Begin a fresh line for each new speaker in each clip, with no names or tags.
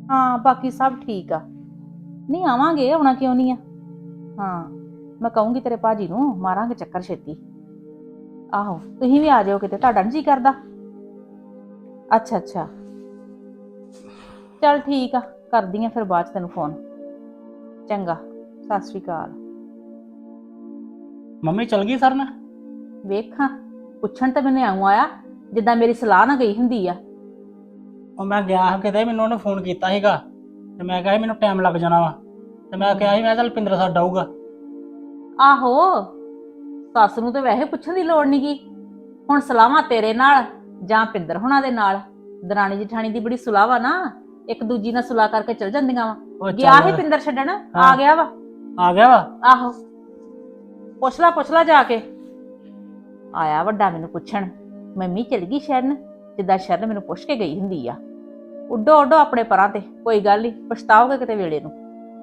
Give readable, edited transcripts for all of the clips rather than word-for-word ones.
ਹਾਂ ਬਾਕੀ ਸਭ ਠੀਕ ਆ। ਨਹੀਂ ਆਵਾਂਗੇ, ਆਉਣਾ ਕਿਉਂ ਨਹੀਂ ਆ। ਹਾਂ ਮੈਂ ਕਹੂੰਗੀ ਤੇਰੇ ਭਾਜੀ ਨੂੰ, ਮਾਰਾਂਗੇ ਚੱਕਰ ਛੇਤੀ। ਆਹੋ ਤੁਸੀਂ ਵੀ ਆ ਜਾਓ ਕਿਤੇ, ਤੁਹਾਡਾ ਨੀ ਜੀ ਕਰਦਾ? ਅੱਛਾ ਅੱਛਾ ਚੱਲ ਠੀਕ ਆ, ਕਰਦੀ ਆ ਫਿਰ ਬਾਅਦ ਚ ਤੈਨੂੰ ਫੋਨ। ਚੰਗਾ, ਸਤਿ ਸ਼੍ਰੀ ਅਕਾਲ।
ਮੰਮੀ ਚਲ ਗਈ ਸਰ ਨਾਲ?
ਵੇਖਾਂ, ਪੁੱਛਣ ਤਾਂ ਮੈਨੂੰ ਆਉਂ ਆਇਆ ਜਿੱਦਾਂ ਮੇਰੀ ਸਲਾਹ ਨਾ ਗਈ ਹੁੰਦੀ ਆ।
ਉਹ ਮੈਂ ਗਿਆ ਕਿਤੇ, ਮੈਨੂੰ ਉਹਨੇ ਫੋਨ ਕੀਤਾ ਸੀਗਾ ਤੇ ਮੈਂ ਕਿਹਾ ਸੀ ਮੈਨੂੰ ਟਾਈਮ ਲੱਗ ਜਾਣਾ ਵਾ, ਤੇ ਮੈਂ ਕਿਹਾ ਸੀ ਮੈਂ ਚੱਲ ਪਿੰਦਰ ਸਾਡ ਆਊਗਾ।
ਆਹੋ ਸੱਸ ਨੂੰ ਤਾਂ ਵੈਸੇ ਪੁੱਛਣ ਦੀ ਲੋੜ ਨੀ ਗੀ। ਹੁਣ ਸਲਾਹਾਂ ਤੇਰੇ ਨਾਲ ਜਾਂ ਪਿੰਦਰ ਹੁਣਾਂ ਦੇ ਨਾਲ, ਦਰਾਣੀ ਜਠਾਣੀ ਦੀ ਬੜੀ ਸੁਲਾਹ ਵਾ ਨਾ, ਇੱਕ ਦੂਜੀ ਨਾਲ ਸੁਲਾਹ ਕਰਕੇ ਚਲ ਜਾਂਦੀਆਂ ਵਾ।
ਉਹ
ਗਿਆ
ਚੱਲ
ਸੀ ਪਿੰਦਰ ਛੱਡਣ,
ਹਾਂ।
ਆ ਗਿਆ ਵਾ।
ਆ ਗਿਆ ਵਾ?
ਆਹੋ ਪੁੱਛ ਲਾ ਜਾ ਕੇ। ਆਇਆ ਵੱਡਾ ਮੈਨੂੰ ਪੁੱਛਣ, ਮੰਮੀ ਚਲ ਗਈ ਸ਼ਰਨ, ਜਿੱਦਾਂ ਸ਼ਰਨ ਮੈਨੂੰ ਪੁੱਛ ਕੇ ਗਈ ਹੁੰਦੀ ਆ। ਉੱਡੋ ਉੱਡੋ ਆਪਣੇ ਪਰਾਂ ਤੇ, ਕੋਈ ਗੱਲ ਨਹੀਂ, ਪਛਤਾਓਗੇ ਕਿਤੇ ਵੇਲੇ ਨੂੰ।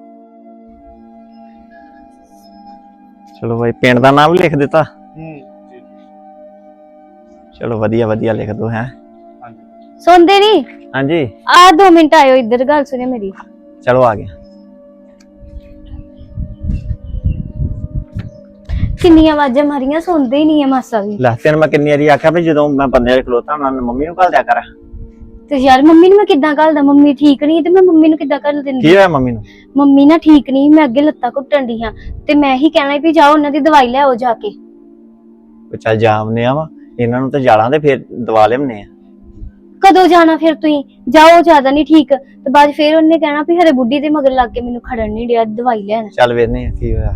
ਚਲੋ ਭਾਈ ਪਿੰਡ ਦਾ ਨਾਮ ਲਿਖ ਦਿੱਤਾ। ਚਲੋ ਵਧੀਆ ਵਧੀਆ ਲਿਖ ਦੋ ਹੈ।
ਸੁਣਦੇ ਨੀ?
ਹਾਂਜੀ
ਆ 2 ਮਿੰਟ ਆਇਓ ਇੱਧਰ, ਗੱਲ ਸੁਣਿਓ ਮੇਰੀ।
ਚਲੋ ਆ ਗਿਆ।
ਕਿੰਨੀਆਂ ਆਵਾਜ਼ਾਂ ਮਾਰੀਆਂ, ਸੁਣਦੇ ਹੀ ਨਹੀਂ ਆ ਮਾਸਾ ਵੀ।
ਲੈ ਤੈਨੂੰ ਮੈਂ ਕਿੰਨੀ ਵਾਰੀ ਆਖਿਆ ਵੀ ਜਦੋਂ ਮੈਂ ਬੰਦੇ ਖਲੋਤਾ ਮੈਂ ਮੰਮੀ ਨੂੰ ਘੱਲ ਦਿਆ ਕਰ।
ਤੇ ਯਾਰ ਮੰਮੀ ਨੂੰ ਮੈਂ ਕਿੱਦਾਂ ਘੱਲਦਾ? ਮੰਮੀ ਠੀਕ ਨਹੀਂ ਤੇ ਮੈਂ ਮੰਮੀ ਨੂੰ ਕਿੱਦਾਂ ਘੱਲ ਦਿੰਦੀ?
ਕੀ ਹੋਇਆ ਮੰਮੀ ਨੂੰ?
ਮੰਮੀ ਨਾ ਠੀਕ ਨਹੀਂ, ਮੈਂ ਅੱਗੇ ਲੱਤਾਂ ਘੁੱਟਣ ਦੀ ਹਾਂ ਤੇ ਮੈਂ ਹੀ ਕਹਿਣਾ ਵੀ ਜਾਓ ਉਹਨਾਂ ਦੀ ਦਵਾਈ ਲੈ ਆਓ ਜਾ ਕੇ।
ਚੱਲ ਜਾਮਨੇ ਆ ਵਾ, ਇਹਨਾਂ ਨੂੰ ਤੇ ਜਾਲਾਂ ਦੇ ਫੇਰ ਦਵਾ ਲਿਆਉਣੇ ਆ।
ਕਦੋਂ ਜਾਣਾ ਫਿਰ ਤੁਸੀਂ? ਜਾਓ, ਜ਼ਿਆਦਾ ਨਹੀਂ ਠੀਕ ਤੇ ਬਾਅਦ ਫਿਰ ਉਹਨੇ ਕਹਿਣਾ ਵੀ ਹਰੇ ਬੁੱਢੀ ਦੇ ਮਗਰ ਲੱਗ ਕੇ ਮੈਨੂੰ ਖੜਨ ਨਹੀਂ ਡਿਆ, ਦਵਾਈ ਲੈਣ।
ਚੱਲ ਵੇਖਨੇ ਆ ਕੀ ਹੋਇਆ।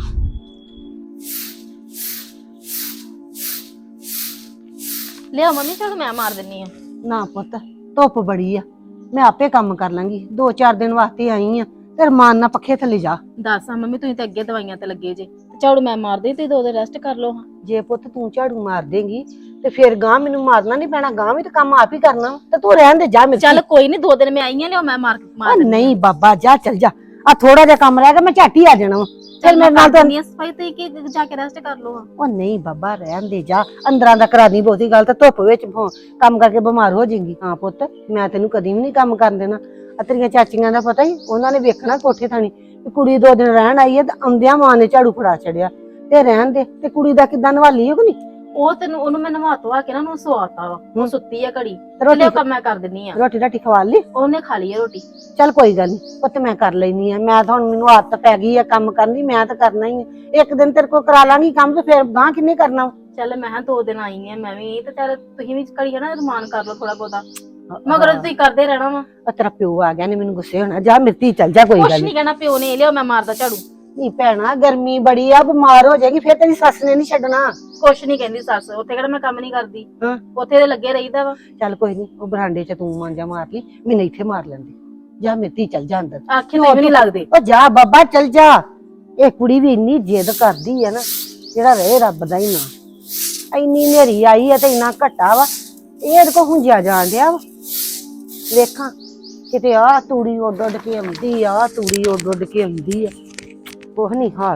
ਲਿਆ ਮੰਮੀ, ਚਲ ਮੈਂ ਮਾਰ ਦਿੰਨੀ ਆ।
ਨਾ ਪੁੱਤ, ਧੁੱਪ ਬੜੀ ਆ, ਮੈਂ ਆਪੇ ਕੰਮ ਕਰ ਲਾਂਗੀ। 2-4 ਦਿਨ ਵਾਸਤੇ ਆਈ ਆ, ਤੇ ਰਮਾਨ ਨਾਲ ਪੱਖੇ ਥੱਲੇ ਜਾ।
ਦੱਸ ਆ ਮੰਮੀ, ਤੁਸੀਂ ਤਾਂ ਅੱਗੇ ਦਵਾਈਆਂ ਤੇ ਲੱਗੇ ਜੇ, ਝਾੜੂ ਮੈਂ ਮਾਰ ਦੇ ਤੇ 2 ਦਿਨ ਰੈਸਟ ਕਰ ਲਓ।
ਜੇ ਪੁੱਤ ਤੂੰ ਝਾੜੂ ਮਾਰ ਦੇਂਗੀ ਤੇ ਫਿਰ ਗਾਂ ਮੈਨੂੰ ਮਾਰਨਾ ਨਹੀਂ ਪੈਣਾ, ਗਾਂ ਵੀ ਤੇ ਕੰਮ ਆਪ ਹੀ ਕਰਨਾ ਤੇ ਤੂੰ ਰਹਿਣ ਦੇ ਜਾ। ਮੇਰੇ
ਚੱਲ ਕੋਈ ਨਹੀਂ, 2 ਦਿਨ ਮੈਂ ਆਈ ਆ, ਲਿਓ ਮੈਂ ਮਾਰ ਦਿੰਨੀ
ਨਹੀਂ ਬਾਬਾ ਜਾ, ਚੱਲ ਜਾ। ਆ ਥੋੜਾ ਜਿਹਾ ਕੰਮ ਰਹਿ ਗਿਆ, ਮੈਂ ਝੱਟ ਹੀ ਆ ਜਾਣਾ ਵਾ। ਫਿਰ ਮੇਰੇ ਨਾਲ ਤਾਂ
ਸਫਾਈ ਤੇ ਕਿ ਜਾ ਕੇ ਰੈਸਟ ਕਰ ਲਓ।
ਉਹ ਨਹੀਂ ਬਾਬਾ ਰਹਿਣ ਦੇ ਜਾ, ਅੰਦਰਾਂ ਦਾ ਕਰਾ ਦੀ ਬਹੁਤੀ ਗੱਲ, ਤੇ ਧੁੱਪ ਵਿੱਚ ਕੰਮ ਕਰਕੇ ਬਿਮਾਰ ਹੋ ਜਾਏਗੀ। ਹਾਂ ਪੁੱਤ, ਮੈਂ ਤੈਨੂੰ ਕਦੀ ਵੀ ਨਹੀਂ ਕੰਮ ਕਰਨ ਦੇਣਾ। ਆ ਤੇਰੀਆਂ ਚਾਚੀਆਂ ਦਾ ਪਤਾ ਹੀ, ਉਹਨਾਂ ਨੇ ਵੇਖਣਾ ਕੋਠੇ ਥਾਣੀ ਕੁੜੀ 2 ਦਿਨ ਰਹਿਣ ਆਈ ਹੈ ਤੇ ਆਉਂਦਿਆਂ ਮਾਂ ਨੇ ਝਾੜੂ ਫੜਾ ਛੜਿਆ। ਤੇ ਰਹਿਣ ਦੇ, ਤੇ ਕੁੜੀ ਦਾ ਕਿੱਦਾਂ ਨਵਾਲੀ ਹੋ ਕਿ ਨਹੀਂ?
ਉਹ ਤੈਨੂੰ ਉਹਨੂੰ ਮੈਂ ਨਵਾ ਧਵਾ ਕੇ ਨਾ ਉਹਨੂੰ ਸਵਾਤਾ ਵਾ, ਉਹ ਸੁੱਤੀ ਆ ਘੜੀ।
ਰੋਟੀ
ਲਿਓ ਕੰਮ ਮੈਂ ਕਰ ਦਿੰਨੀ ਆ।
ਰੋਟੀ ਖਵਾ ਲਈ?
ਉਹਨੇ ਖਾ ਲਈ ਆ ਰੋਟੀ।
ਚੱਲ ਕੋਈ ਗੱਲ ਨਹੀਂ ਪੁੱਤ, ਮੈਂ ਕਰ ਲੈਣੀ ਆ। ਮੈਂ ਤਾਂ ਹੁਣ ਮੈਨੂੰ ਆਦਤ ਪੈ ਗਈ ਆ ਕੰਮ ਕਰਨ ਦੀ, ਮੈਂ ਤਾਂ ਕਰਨਾ ਹੀ ਆ। ਇੱਕ ਦਿਨ ਤੇਰੇ ਕੋਲ ਕਰਾ ਲਾਂਗੀ ਕੰਮ, ਤੇ ਫਿਰ ਗਾਂ ਕਿੰਨੇ ਕਰਨਾ?
ਚੱਲ ਮੈਂ 2 ਦਿਨ ਆਈ ਆ ਮੈਂ ਵੀ, ਤੇ ਚੱਲ ਤੁਸੀਂ ਵੀ ਘੜੀ ਨਾ ਰਮਾਨ ਕਰ ਲਓ ਥੋੜਾ ਬਹੁਤਾ, ਮਗਰ ਤੁਸੀਂ ਕਰਦੇ ਰਹਿਣਾ ਵਾ।
ਤੇਰਾ ਪਿਓ ਆ ਗਿਆ ਨੇ, ਮੈਨੂੰ ਗੁੱਸੇ ਹੋਣਾ। ਜਾ ਮਿਰਤੀ ਚੱਲ ਜਾ, ਕੋਈ
ਕੁਛ
ਗੱਲ
ਨਹੀਂ ਕਹਿਣਾ, ਪਿਓ ਨੇ ਲਿਓ ਮੈਂ ਮਾਰਦਾ ਝਾੜੂ।
ਨਹੀਂ ਭੈਣਾ, ਗਰਮੀ ਬੜੀ ਆ, ਬਿਮਾਰ ਹੋ ਜਾਏਗੀ ਫਿਰ, ਤੇਰੀ ਸੱਸ ਨੇ ਨਹੀਂ ਛੱਡਣਾ।
ਕੁਛ ਨਹੀਂ ਕਹਿੰਦੀ ਸੱਸ, ਉੱਥੇ ਕਿਹੜਾ ਮੈਂ ਕੰਮ ਨਹੀਂ ਕਰਦੀ,
ਹਾਂ।
ਉੱਥੇ ਤੇ ਲੱਗੇ ਰਹੀਦਾ ਵਾ।
ਚੱਲ ਕੋਈ ਨਹੀਂ, ਉਹ ਬਰਾਂਡੇ 'ਚ ਤੂੰ ਮਾਂਜਾ ਮਾਰ ਲਈ, ਮੈਨੂੰ ਇੱਥੇ ਮਾਰ ਲੈਂਦੀ। ਜਾ ਮਿਰਤੀ ਚੱਲ ਜਾ ਅੰਦਰ।
ਆਖੇ ਤੇ ਵੀ ਨਹੀਂ ਲੱਗਦੇ।
ਉਹ ਜਾ ਬਾਬਾ ਚੱਲ ਜਾ। ਇਹ ਕੁੜੀ ਵੀ ਇੰਨੀ ਜਿੱਦ ਕਰਦੀ ਹੈ ਨਾ, ਜਿਹੜਾ ਰਹੇ ਰੱਬ ਦਾ ਹੀ ਨਾਂ। ਇੰਨੀ ਹਨੇਰੀ ਆਈ ਹੈ ਤੇ ਇੰਨਾ ਘਟਾ ਵਾ, ਇਹਦੇ ਕੋ ਹੁੰਜਿਆ ਜਾਣ ਡਿਆ ਵਾ। ਵੇਖਾਂ ਕਿਤੇ ਆ ਤੂੜੀ ਉੱਡ ਉੱਡ ਕੇ ਆਉਂਦੀ ਆ, ਤੂੜੀ ਉੱਡ ਉੱਡ ਕੇ ਆਉਂਦੀ ਆ, ਕੁਛ ਨਹੀਂ ਹਾਲ।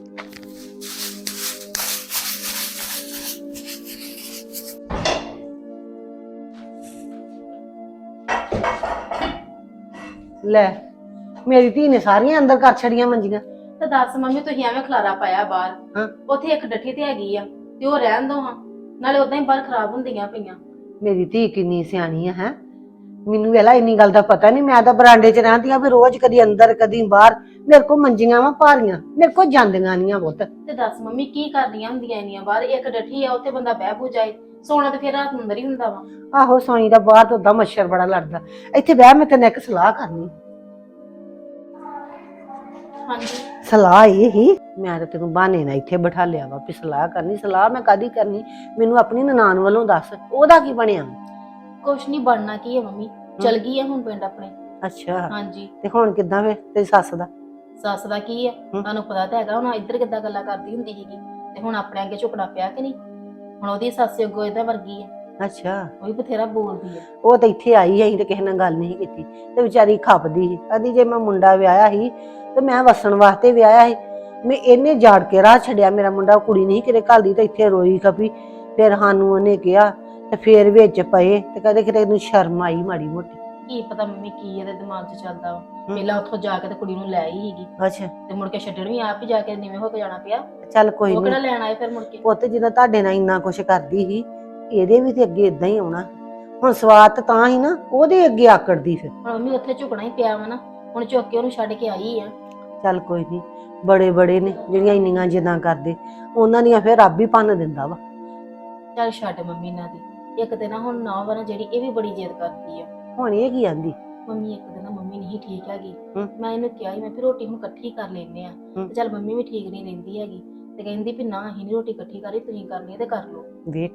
ਲੈ ਮੇਰੀ ਧੀ ਨੇ ਸਾਰੀਆਂ ਅੰਦਰ ਕਰ ਛੜੀਆਂ ਮੰਜੀਆਂ।
ਤੇ ਦੱਸ ਮੰਮੀ, ਤੁਸੀਂ ਐਵੇਂ ਖਲਾਰਾ ਪਾਇਆ ਬਾਹਰ।
ਹਾਂ।
ਉੱਥੇ ਇੱਕ ਡੱਠੀ ਤੇ ਹੈਗੀ ਆ, ਤੇ ਉਹ ਰਹਿਣ ਦੋ ਹਾਂ, ਨਾਲੇ ਉਦਾਂ ਹੀ ਬਾਹਰ ਖਰਾਬ ਹੁੰਦੀਆਂ ਪਈਆਂ।
ਮੇਰੀ ਧੀ ਕਿੰਨੀ ਸਿਆਣੀ ਆ ਹੈ, ਮੈਨੂੰ ਵੇਲਾ ਇੰਨੀ ਗੱਲ ਦਾ ਪਤਾ ਨਹੀਂ। ਮੈਂ ਤਾਂ ਬਰਾਂਡੇ 'ਚ ਰਹਿੰਦੀ ਆ ਵੀ ਰੋਜ਼ ਕਦੀ ਅੰਦਰ ਕਦੀ ਬਾਹਰ। ਮੇਰੇ ਕੋਲ ਮੰਜੀਆਂ ਵਾ ਭਾਰੀਆਂ, ਮੇਰੇ ਕੋਲ ਜਾਂਦੀਆਂ ਨਹੀਂ ਆ ਪੁੱਤ।
ਤੇ ਦੱਸ ਮੰਮੀ, ਕੀ ਕਰਦੀਆਂ ਹੁੰਦੀਆਂ ਇੰਨੀਆਂ ਬਾਹਰ? ਇੱਕ ਡੱਠੀ ਆ, ਉੱਥੇ ਬੰਦਾ ਬਹਿ ਬੂ ਜਾਏ, ਸੋਣਾ ਤੇ ਫਿਰ ਰਾਤ ਨੂੰ ਅੰਦਰ ਹੀ ਹੁੰਦਾ ਵਾ।
ਆਹੋ ਸੋਈ ਦਾ, ਬਾਹਰ ਤੋਂ ਉਦਾਂ ਮੱਛਰ ਬੜਾ ਲੜਦਾ। ਇੱਥੇ ਬਹਿ, ਮੈਂ ਤੈਨੂੰ ਇੱਕ ਸਲਾਹ ਕਰਨੀ।
ਹਾਂਜੀ।
ਸਲਾਹ ਇਹ ਹੀ, ਮੈਂ ਤਾਂ ਤੈਨੂੰ ਬਹਾਨੇ ਨਾਲ ਇੱਥੇ ਬਿਠਾ ਲਿਆ ਵਾ ਵੀ ਸਲਾਹ ਕਰਨੀ। ਸਲਾਹ ਮੈਂ ਕਾਦੀ ਕਰਨੀ, ਮੈਨੂੰ ਆਪਣੀ ਨਨਾਣ ਵੱਲੋਂ ਦੱਸ, ਉਹਦਾ ਕੀ ਬਣਿਆ?
ਕੁਛ ਨਹੀਂ ਬਣਨਾ, ਕੀ ਹੈ ਮੰਮੀ, ਚਲ ਗਈ ਹੈ ਹੁਣ ਪਿੰਡ ਆਪਣੇ।
ਅੱਛਾ,
ਹਾਂਜੀ।
ਤੇ ਹੁਣ ਕਿੱਦਾਂ ਵੇ ਤੇਰੀ ਸੱਸ ਦਾ?
ਸੱਸ ਦਾ ਕੀ ਹੈ, ਤੁਹਾਨੂੰ ਪਤਾ ਤਾਂ ਹੈਗਾ, ਹੁਣ ਇੱਧਰ ਕਿੱਦਾਂ ਗੱਲਾਂ ਕਰਦੀ ਹੁੰਦੀ ਸੀਗੀ, ਤੇ ਹੁਣ ਆਪਣੇ ਅੱਗੇ ਝੁਕਣਾ ਪਿਆ ਕਿ ਨਹੀਂ? ਹੁਣ ਉਹਦੀ ਸੱਸ ਅੱਗੋਂ ਇਹਦਾ ਵਰਗੀ ਹੈ।
ਅੱਛਾ,
ਉਹ ਵੀ ਬਥੇਰਾ ਬੋਲਦੀ ਹੈ।
ਉਹ ਤਾਂ ਇੱਥੇ ਆਈ ਸੀ ਤੇ ਕਿਸੇ ਨਾਲ ਗੱਲ ਨਹੀਂ ਕੀਤੀ, ਤੇ ਵਿਚਾਰੀ ਖਪਦੀ ਸੀ। ਕਹਿੰਦੀ ਜੇ ਮੈਂ ਮੁੰਡਾ ਵਿਆਹਿਆ ਸੀ ਤੇ ਮੈਂ ਵਸਣ ਵਾਸਤੇ ਵਿਆਹਿਆ ਸੀ, ਮੈਂ ਇਹਨੇ ਜਾੜ ਕੇ ਰਾਹ ਛੱਡਿਆ ਮੇਰਾ ਮੁੰਡਾ। ਕੁੜੀ ਨਹੀਂ ਕਿਤੇ ਘੱਲਦੀ ਤੇ ਇੱਥੇ ਰੋਈ ਖਪੀ। ਫਿਰ ਸਾਨੂੰ ਉਹਨੇ ਕਿਹਾ ਤੇ ਫਿਰ ਵਿੱਚ ਪਏ ਤੇ ਕਹਿੰਦੇ ਕਿਤੇ ਇਹਨੂੰ ਸ਼ਰਮ ਆਈ ਮਾੜੀ ਮੋਟੀ।
ਕੀ ਪਤਾ ਮੰਮੀ ਕੀ ਇਹਦੇ ਦਿਮਾਗ 'ਚ ਚੱਲਦਾ ਵਾ। ਪਹਿਲਾਂ ਉੱਥੋਂ ਜਾ ਕੇ ਤੇ ਕੁੜੀ ਨੂੰ ਲੈ ਹੀ ਸੀਗੀ
ਅੱਛਾ
ਤੇ ਮੁੜ ਕੇ ਛੱਡਣ ਵੀ ਆਪ ਹੀ ਜਾ ਕੇ ਨੀਵੇਂ ਹੋ ਕੇ ਜਾਣਾ ਪਿਆ।
ਚੱਲ ਕੋਈ
ਉਹ ਕਿਹੜਾ
ਨਹੀਂ
ਲੈਣ ਆਏ ਫਿਰ ਮੁੜ ਕੇ।
ਪੁੱਤ ਜਦੋਂ ਤੁਹਾਡੇ ਨਾਲ ਇੰਨਾ ਕੁਛ ਕਰਦੀ ਸੀ ਇਹਦੇ ਵੀ ਤੇ ਅੱਗੇ ਇਦਾਂ ਹੀ ਆਉਣਾ। ਹੁਣ ਸਵਾਦ ਤਾਂ ਹੀ ਨਾ ਉਹਦੇ ਅੱਗੇ ਆਕੜਦੀ ਫਿਰ।
ਹੁਣ ਮੰਮੀ ਉੱਥੇ ਝੁਕਣਾ ਹੀ ਪਿਆ ਵਾ ਨਾ, ਹੁਣ ਚੁੱਕ ਕੇ ਉਹਨੂੰ ਛੱਡ ਕੇ ਆਈ ਆ।
ਚੱਲ ਕੋਈ ਨਹੀਂ, ਬੜੇ ਬੜੇ ਨੇ ਜਿਹੜੀਆਂ ਇੰਨੀਆਂ ਜਿੱਦਾਂ ਕਰਦੇ ਉਹਨਾਂ ਦੀਆਂ ਫਿਰ ਰੱਬ ਹੀ ਭੰਨ ਦਿੰਦਾ ਵਾ।
ਚੱਲ ਛੱਡ ਮੰਮੀ ਇਹਨਾਂ ਦੀ। ਇੱਕ ਤੇ ਨਾ ਹੁਣ ਨਾ ਵਾ ਨਾ ਜਿਹੜੀ ਇਹ ਵੀ ਬੜੀ ਜਿੱਦ ਕਰਦੀ ਆ।
ਹੁਣ ਇਹ ਕੀ ਆਂਦੀ?
ਮੰਮੀ ਇੱਕ ਦਿਨ ਨਾ ਮੰਮੀ ਨਹੀਂ ਠੀਕ ਹੈਗੀ।
ਹਮ।
ਮੈਂ ਇਹਨੂੰ ਕਿਹਾ ਸੀ ਮੈਂ ਫਿਰ ਰੋਟੀ ਹੁਣ ਇਕੱਠੀ ਕਰ ਲੈਨੇ ਆ ਤੇ ਚੱਲ ਮੰਮੀ ਵੀ ਠੀਕ ਨਹੀਂ ਰਹਿੰਦੀ ਹੈਗੀ ਤੇ ਕਹਿੰਦੀ ਵੀ ਨਾ ਅਸੀਂ ਨੀ ਰੋਟੀ ਇਕੱਠੀ ਕਰੀ, ਤੁਸੀਂ ਕਰਨੀ ਹੈ ਤੇ ਕਰ ਲਓ।
ਵੇਖ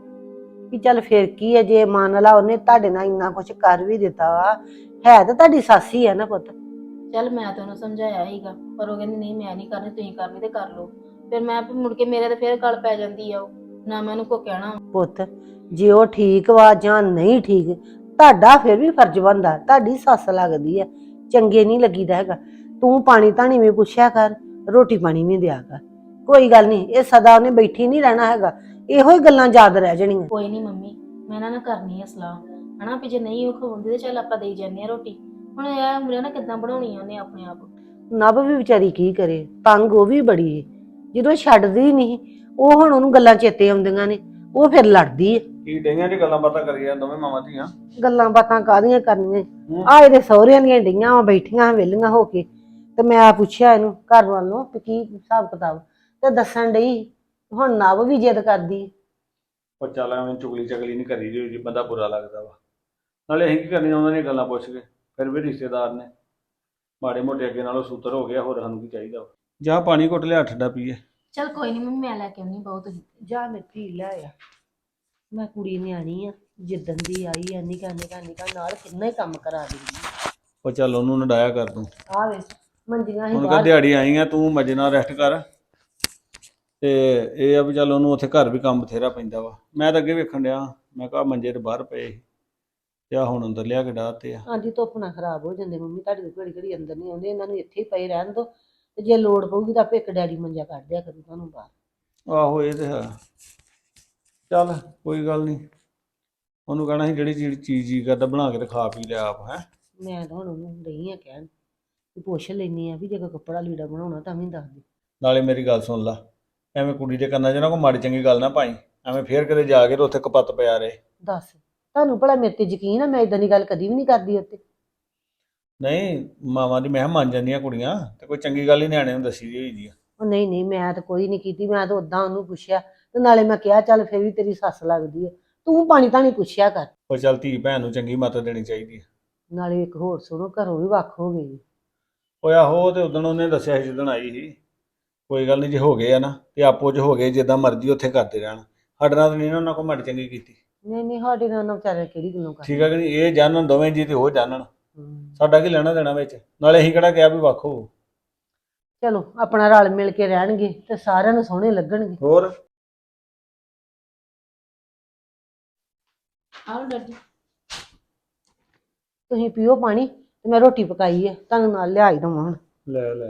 ਵੀ ਚੱਲ ਫਿਰ ਕੀ ਹੈ ਜੇ ਮੰਨ ਲਾ ਉਹਨੇ ਤੁਹਾਡੇ ਨਾਲ ਇੰਨਾ ਕੁਛ ਕਰ ਵੀ ਦਿੱਤਾ ਵਾ, ਹੈ ਤਾਂ ਤੁਹਾਡੀ ਸੱਸ ਹੀ ਹੈ ਨਾ ਪੁੱਤ।
ਚੱਲ ਮੈਂ ਤਾਂ ਉਹਨੂੰ ਸਮਝਾਇਆ ਸੀਗਾ ਪਰ ਉਹ ਕਹਿੰਦੀ ਨਹੀਂ ਮੈਂ ਨਹੀਂ ਕਰਨੀ, ਤੁਸੀਂ ਕਰਨੀ ਤੇ ਕਰ ਲਓ। ਫਿਰ ਮੈਂ ਵੀ ਮੁੜ ਕੇ ਮੇਰੇ ਤੇ ਫਿਰ ਗੱਲ ਪੈ ਜਾਂਦੀ ਆ ਉਹ, ਨਾ ਮੈਂ ਉਹਨੂੰ ਕੋ ਕਹਿਣਾ।
ਪੁੱਤ ਜੇ ਉਹ ਠੀਕ ਵਾ ਜਾਂ ਨਹੀਂ ਠੀਕ, ਤੁਹਾਡਾ ਫਿਰ ਵੀ ਫਰਜ਼ ਬਣਦਾ, ਤੁਹਾਡੀ ਸੱਸ ਲੱਗਦੀ ਹੈ, ਚੰਗੇ ਨਹੀਂ ਲੱਗੀਦਾ ਹੈਗਾ। ਤੂੰ ਪਾਣੀ ਧਾਣੀ ਵੀ ਪੁੱਛਿਆ ਕਰ, ਰੋਟੀ ਪਾਣੀ ਵੀ ਦਿਆ ਕਰ। ਕੋਈ ਗੱਲ ਨਹੀਂ, ਇਹ ਸਦਾ ਉਹਨੇ ਬੈਠੀ ਨਹੀਂ ਰਹਿਣਾ ਹੈਗਾ, ਇਹੋ ਹੀ ਗੱਲਾਂ ਯਾਦ ਰਹਿ ਜਾਣੀਆਂ।
ਕੋਈ ਨਹੀਂ ਮੰਮੀ, ਮੈਂ ਇਹਨਾਂ ਨਾਲ ਕਰਨੀ ਆ ਸਲਾਹ ਹਨਾ ਵੀ ਜੇ ਨਹੀਂ ਉਹ ਖਵਾਉਂਦੀ ਤੇ ਚੱਲ ਆਪਾਂ ਦੇਈ ਜਾਂਦੇ ਆ ਰੋਟੀ। ਹੁਣ ਇਹ ਉਮਰੇ ਨਾ ਕਿੱਦਾਂ ਬਣਾਉਣੀ ਆ ਉਹਨੇ ਆਪਣੇ ਆਪ।
ਨਭ ਵੀ ਵਿਚਾਰੀ ਕੀ ਕਰੇ, ਤੰਗ ਉਹ ਵੀ ਬੜੀ ਹੈ, ਜਦੋਂ ਛੱਡਦੀ ਨਹੀਂ ਉਹ ਹੁਣ ਉਹਨੂੰ ਗੱਲਾਂ ਚੇਤੇ ਆਉਂਦੀਆਂ ਨੇ, ਉਹ ਫਿਰ ਲੜਦੀ ਹੈ।
ਕੀ ਡਈਆਂ ਜੀ ਗੱਲਾਂ ਬਾਤਾਂ ਕਰੀ ਜਾਂ ਦੋਵੇਂ ਮਾਵਾਂ ਧੀਆਂ?
ਗੱਲਾਂ ਬਾਤਾਂ ਕਾਹਦੀਆਂ ਕਰਨੀਆਂ, ਆ ਇਹਦੇ ਸਹੁਰਿਆਂ ਦੀਆਂ ਡਈਆਂ ਵਾ ਬੈਠੀਆਂ ਵਿਹਲੀਆਂ ਹੋ ਕੇ, ਤੇ ਮੈਂ ਪੁੱਛਿਆ ਇਹਨੂੰ ਘਰ ਵੱਲੋਂ ਕਿ ਕੀ ਹਿਸਾਬ ਕਿਤਾਬ, ਤੇ ਦੱਸਣ ਡਈ ਹੁਣ ਨਭ ਵੀ ਜਿੱਦ ਕਰਦੀ।
ਉਹ ਚੱਲ ਐਵੇਂ ਚੁਗਲੀ ਚਗਲੀ ਨਹੀਂ ਕਰੀ ਜੀ ਬੰਦਾ ਬੁਰਾ ਲੱਗਦਾ ਵਾ। ਨਾਲੇ ਅਸੀਂ ਕੀ ਕਰਨੀ ਉਹਨਾਂ ਦੀਆਂ ਗੱਲਾਂ ਪੁੱਛ ਕੇ, ਫਿਰ ਵੀ ਰਿਸ਼ਤੇਦਾਰ ਨੇ ਮਾੜੇ ਮੋਟੇ ਅੱਗੇ ਨਾਲੋਂ ਸੂਤਰ ਹੋ ਗਿਆ, ਹੋਰ ਸਾਨੂੰ ਕੀ ਚਾਹੀਦਾ ਵਾ। ਜਾ ਪਾਣੀ ਘੁੱਟ ਲਿਆ ਠੰਡਾ ਪੀਏ।
ਚੱਲ ਕੋਈ ਨਹੀਂ ਮੰਮੀ ਮੈਂ ਲੈ ਕੇ ਆਉਣੀ ਬਹੁਤ ਹੀ।
ਜਾ ਮੈਂ ਪੀ ਲੈ ਆ, ਮੈਂ ਕੁੜੀ ਨਿਆਣੀ ਆ, ਜਿੱਦਣ ਦੀ ਆਈ ਆ ਨਿਕਾ ਨਾਲ ਕਿੰਨਾ ਹੀ ਕੰਮ ਕਰਾ ਦਿੰਦੀ।
ਉਹ ਚੱਲ ਉਹਨੂੰ ਨਡਾਇਆ ਕਰ ਤੂੰ,
ਆ ਵੇ ਮੰਜੀਆਂ ਹੀ
ਹੁਣ ਕਾ
ਬਾਹਰ,
ਦਿਹਾੜੀ ਆਈ ਆ, ਤੂੰ ਮਜੇ ਨਾਲ ਰੈਸਟ ਕਰ। ਤੇ ਇਹ ਆ ਵੀ ਚੱਲ ਉਹਨੂੰ ਉੱਥੇ ਘਰ ਵੀ ਕੰਮ ਬਥੇਰਾ ਪੈਂਦਾ ਵਾ। ਮੈਂ ਤਾਂ ਅੱਗੇ ਵੇਖਣ ਡਿਆ, ਮੈਂ ਕਿਹਾ ਮੰਜੇ ਤੇ ਬਾਹਰ ਪਏ ਸੀ ਤੇ ਆ ਹੁਣ ਅੰਦਰ ਲਿਆ ਕੇ ਡਾਹਤੇ ਆ।
ਹਾਂਜੀ ਧੁੱਪ ਨਾਲ ਖਰਾਬ ਹੋ ਜਾਂਦੇ ਮੰਮੀ, ਤੁਹਾਡੇ ਘੜੀ ਘੜੀ ਅੰਦਰ ਨਹੀਂ ਆਉਂਦੇ, ਇਹਨਾਂ ਨੂੰ ਇੱਥੇ ਹੀ ਪਏ ਰਹਿਣ ਦੋ, ਤੇ ਜੇ ਲੋੜ ਪਊਗੀ ਤਾਂ ਆਪੇ ਇੱਕ ਡੈਡੀ ਮੰਜਾ ਕੱਢ ਦਿਆ ਕਰੂ ਤੁਹਾਨੂੰ ਬਾਹਰ।
ਆਹੋ ਇਹ ਤੇ ਹੈ, ਚੱਲ ਕੋਈ ਗੱਲ ਨਹੀਂ। ਉਹਨੂੰ ਕਹਿਣਾ ਸੀ ਜਿਹੜੀ ਚੀਜ਼ ਜੀ ਕਰਦਾ ਬਣਾ ਕੇ ਤੇ ਖਾ ਪੀ ਲਿਆ ਆਪ। ਹੈ
ਮੈਂ ਤਾਂ ਹੁਣ ਉਹਨੂੰ ਨਹੀਂ ਆ ਕਹਿਣ ਵੀ ਪੁੱਛ ਲੈਣੀ ਆ ਵੀ ਜੇ ਕੋਈ ਕੱਪੜਾ ਲੀੜਾ ਬਣਾਉਣਾ ਤਾਂ ਵੀ ਦੱਸ ਦੇ।
ਨਾਲੇ ਮੇਰੀ ਗੱਲ ਸੁਣ ਲਾ, ਐਵੇਂ ਕੁੜੀ ਦੇ ਕੰਨਾਂ 'ਚ ਨਾ ਕੋਈ ਮਾੜੀ ਚੰਗੀ ਗੱਲ ਨਾ ਪਾਈ, ਐਵੇਂ ਫੇਰ ਕਿਤੇ ਜਾ ਕੇ ਤੇ ਉੱਥੇ ਕਪੱਤ ਪਿਆ ਰਹੇ।
ਦੱਸ ਤੁਹਾਨੂੰ ਭਲਾ ਮੇਰੇ ਤੇ ਯਕੀਨ ਆ? ਮੈਂ ਇਦਾਂ ਦੀ ਗੱਲ ਕਦੀ ਵੀ ਨਹੀਂ ਕਰਦੀ ਉੱਤੇ।
ਨਹੀਂ ਮਾਵਾਂ ਦੀ ਮੈਂ ਕਿਹਾ ਮੰਨ ਜਾਂਦੀਆਂ ਕੁੜੀਆਂ, ਤੇ ਕੋਈ ਚੰਗੀ ਗੱਲ ਹੀ ਨਿਆਣੇ ਨੂੰ ਦੱਸੀ ਦੀ ਹੋਈ ਦੀ ਆ।
ਉਹ ਨਹੀਂ ਮੈਂ ਤਾਂ ਕੋਈ ਨਹੀਂ ਕੀਤੀ, ਮੈਂ ਤਾਂ ਉਦਾਂ ਉਹਨੂੰ ਪੁੱਛਿਆ, ਤੇ ਨਾਲੇ ਮੈਂ ਕਿਹਾ ਚੱਲ ਫਿਰ ਵੀ ਤੇਰੀ ਸੱਸ ਲੱਗਦੀ ਹੈ, ਤੂੰ ਪਾਣੀ ਤਾਂ ਨਹੀਂ ਪੁੱਛਿਆ ਕਰ।
ਉਹ ਚੱਲ ਧੀ ਭੈਣ ਨੂੰ ਚੰਗੀ ਮੱਤ ਦੇਣੀ ਚਾਹੀਦੀ ਆ।
ਨਾਲੇ ਇੱਕ ਹੋਰ ਸੁਣੋ, ਘਰੋਂ ਵੀ ਵੱਖ ਹੋ ਗਈ।
ਉਹ ਆਹੋ ਤੇ ਉਦਣ ਉਹਨੇ ਦੱਸਿਆ ਸੀ ਜਿੱਦਣ ਆਈ ਸੀ। ਕੋਈ ਗੱਲ ਨਹੀਂ, ਜੇ ਹੋ ਗਏ ਆ ਨਾ ਤੇ ਆਪੋ 'ਚ ਹੋ ਗਏ, ਜਿੱਦਾਂ ਮਰਜ਼ੀ ਉੱਥੇ ਕਰਦੇ ਰਹਿਣ। ਸਾਡੇ ਨਾਲ ਤਾਂ ਨਹੀਂ ਨਾ ਉਹਨਾਂ ਕੋਲ ਮਾੜੀ ਚੰਗੀ ਕੀਤੀ।
ਨਹੀਂ ਸਾਡੇ ਨਾਲ ਉਹਨਾਂ ਵਿਚਾਰੇ ਕਿਹੜੀ ਗੱਲੋਂ ਕਰ।
ਠੀਕ ਆ ਕਿ ਨਹੀਂ? ਇਹ ਜਾਣਨ ਦੋਵੇਂ ਜੀ ਤੇ ਉਹ ਜਾਣਨ, ਸਾਡਾ ਕੀ ਲੈਣਾ ਦੇਣਾ ਵਿੱਚ। ਨਾਲੇ ਅਸੀਂ ਕਿਹੜਾ ਕਿਹਾ ਵੀ ਵੱਖ ਹੋ।
ਚਲੋ ਆਪਣਾ ਰਲ ਮਿਲ ਕੇ ਰਹਿਣਗੇ ਤੇ ਸਾਰਿਆਂ ਨੂੰ ਸੋਹਣੇ ਲੱਗਣਗੇ।
ਹੋਰ
ਆਹ ਡੱਡੀ
ਤੁਸੀਂ ਪੀਓ ਪਾਣੀ, ਤੇ ਮੈਂ ਰੋਟੀ ਪਕਾਈ ਹੈ, ਤੁਹਾਨੂੰ ਨਾਲ ਲਿਆਈ ਦਵਾਂ ਹੁਣ।
ਲੈ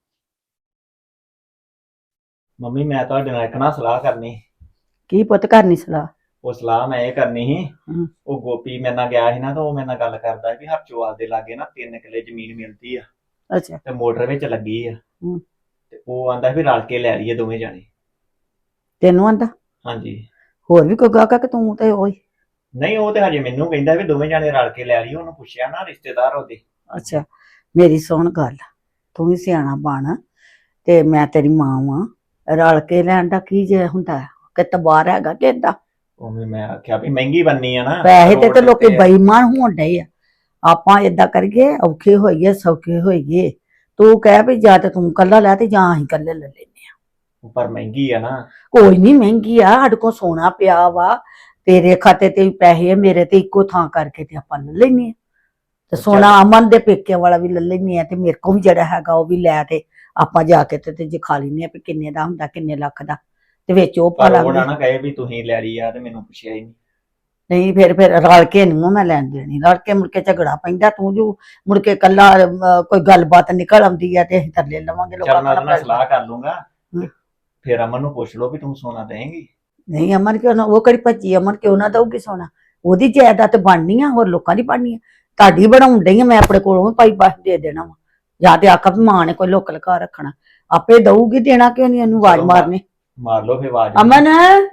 ਮੰਮੀ ਮੈਂ ਤੁਹਾਡੇ ਨਾਲ ਇੱਕ ਨਾ ਸਲਾਹ ਕਰਨੀ।
ਕੀ ਪੁੱਤ ਕਰਨੀ ਸਲਾਹ?
ਉਹ ਸਲਾਹ ਮੈਂ ਇਹ ਕਰਨੀ ਸੀ,
ਹਮ।
ਉਹ ਗੋਪੀ ਮੇਰੇ ਨਾਲ ਗਿਆ ਸੀ ਨਾ, ਤਾਂ ਉਹ ਮੇਰੇ ਨਾਲ ਗੱਲ ਕਰਦਾ ਵੀ ਹਰਚੋਵਾਲ ਦੇ ਲਾਗੇ ਨਾ 3 ਕਿੱਲੇ ਜ਼ਮੀਨ ਮਿਲਦੀ ਆ,
ਅੱਛਾ
ਤੇ ਮੋਟਰ ਵਿੱਚ ਲੱਗੀ ਆ।
ਹਮ।
ਤੇ ਉਹ ਆਂਦਾ ਵੀ ਰਲ ਕੇ ਲੈ ਲਈਏ ਦੋਵੇਂ ਜਾਣੇ।
ਤੈਨੂੰ ਆਂਦਾ?
ਹਾਂਜੀ।
ਹੋਰ ਵੀ ਕੋਈ ਗਾਹਕ ਕਿ ਤੂੰ ਤੇ ਉਹੀ?
ਨਹੀਂ ਉਹ ਤੇ ਹਜੇ ਮੈਨੂੰ ਕਹਿੰਦਾ ਵੀ ਦੋਵੇਂ ਜਾਣੇ ਰਲ ਕੇ ਲੈ ਲਈਏ। ਉਹਨੂੰ ਪੁੱਛਿਆ ਨਾ ਰਿਸ਼ਤੇਦਾਰ ਉਹਦੇ।
ਅੱਛਾ ਮੇਰੀ ਸੁਣ ਗੱਲ, ਤੂੰ ਵੀ ਸਿਆਣਾ ਬਣ, ਤੇ ਮੈਂ ਤੇਰੀ ਮਾਂ ਵਾਂ, ਰਲ ਕੇ ਲੈਣ ਦਾ ਕੀ ਜੇ ਹੁੰਦਾ ਕਿ ਤਬਾਰ ਹੈਗਾ ਕਿ ਏਦਾਂ?
ਉਹ ਵੀ ਮੈਂ ਆਖਿਆ ਵੀ ਮਹਿੰਗੀ ਬੰਨੀ ਆ ਨਾ,
ਪੈਸੇ ਤੇ
ਰੋਡ
ਲੋਕੀ
ਉੱਤੇ ਆ।
ਬੇਈਮਾਨ ਹੋਣ ਡਏ ਆ। ਆਪਾਂ ਏਦਾਂ ਕਰੀਏ, ਔਖੇ ਹੋਈਏ ਸੌਖੇ ਹੋਈਏ, ਤੂੰ ਕਹਿ ਵੀ ਜਾਂ ਤੇ ਤੂੰ ਕੱਲਾ ਲੈ ਤੇ ਜਾਂ ਅਸੀਂ ਕੱਲੇ ਲੈ ਲੈਨੇ ਆ।
ਪਰ ਮਹਿੰਗੀ ਆ ਨਾ।
ਕੋਈ ਨਹੀਂ ਮਹਿੰਗੀ ਆ, ਸਾਡੇ ਕੋਲ ਸੋਨਾ ਪਿਆ ਵਾ, ਤੇਰੇ ਖਾਤੇ ਤੇ ਵੀ ਪੈਸੇ ਆ, ਮੇਰੇ ਤੇ ਇੱਕੋ ਥਾਂ ਕਰਕੇ ਤੇ ਆਪਾਂ ਲੈ ਲੈਨੇ ਆ। ਤੇ ਸੋਨਾ ਅਮਨ ਦੇ ਪੇਕੇ ਵਾਲਾ ਵੀ ਲੈ ਲੈਨੇ ਆ, ਤੇ ਮੇਰੇ ਕੋਲ ਵੀ ਜਿਹੜਾ ਹੈਗਾ ਉਹ ਵੀ ਲੈ ਤੇ ਆਪਾਂ ਜਾ ਕੇ ਤੇ ਜੇ ਖਾ ਲੈਨੇ ਆ ਵੀ ਕਿੰਨੇ ਦਾ ਹੁੰਦਾ, ਕਿੰਨੇ ਲੱਖ ਦਾ, ਤੇ ਵਿੱਚ ਉਹ ਪਾ
ਪਰ ਉਹ
ਲਾਂਗੇ।
ਨਾ ਕਹੇ ਵੀ ਤੁਸੀਂ ਲੈ ਲਈ ਆ ਤੇ ਮੈਨੂੰ ਪੁੱਛਿਆ ਹੀ ਨਹੀਂ।
ਨਹੀਂ ਫਿਰ ਰਲ ਕੇ ਨਹੀਂ ਮੈਂ ਲੈਣ ਦੇਣੀ, ਰਲ ਕੇ ਮੁੜ ਕੇ ਝਗੜਾ ਪੈਂਦਾ। ਤੂੰ ਜੋ ਮੁੜ ਕੇ ਕੱਲਾ ਕੋਈ ਗੱਲਬਾਤ ਨਿਕਲ ਆਉਂਦੀ ਆ ਤੇ ਅਸੀਂ ਥੱਲੇ ਲਵਾਂਗੇ
ਚੱਲ ਮੈਂ ਉਹਦੇ ਨਾਲ
ਲੋਕਾਂ
ਸਲਾਹ ਕਰ ਲੂੰਗਾ,
ਹਮ।
ਫਿਰ ਅਮਨ ਨੂੰ ਪੁੱਛ ਲਓ ਵੀ ਤੂੰ ਸੋਨਾ ਦੇਂਗੀ।
ਨਹੀਂ ਅਮਨ ਕਿਉਂ ਨਾ, ਉਹ ਕਿਹੜੀ ਭੱਜੀ, ਅਮਨ ਕਿਉਂ ਨਾ ਦਊਗੀ ਸੋਨਾ? ਉਹਦੀ ਜਾਇਦਾਦ ਬਣਨੀ ਆ, ਹੋਰ ਲੋਕਾਂ ਦੀ ਬਣਨੀ ਆ। ਤੁਹਾਡੀ ਬਣਾਉਣ ਡਈ ਆ, ਮੈਂ ਆਪਣੇ ਕੋਲੋਂ ਵੀ ਭਾਈ ਬਸ ਦੇ ਦੇਣਾ ਵਾ। ਜਾਂ ਤੇ ਆਖਾ ਵੀ ਮਾਂ ਨੇ ਕੋਈ ਲੁੱਕ ਲੁਕਾ ਰੱਖਣਾ, ਆਪੇ ਦਊਗੀ, ਦੇਣਾ ਕਿਉਂ ਨਹੀਂ ਉਹਨੂੰ ਆਵਾਜ਼ ਮਾਰਨੀ।
ਮਾਰ ਲਓ ਫੇ ਆਵਾਜ਼।
ਅਮਨ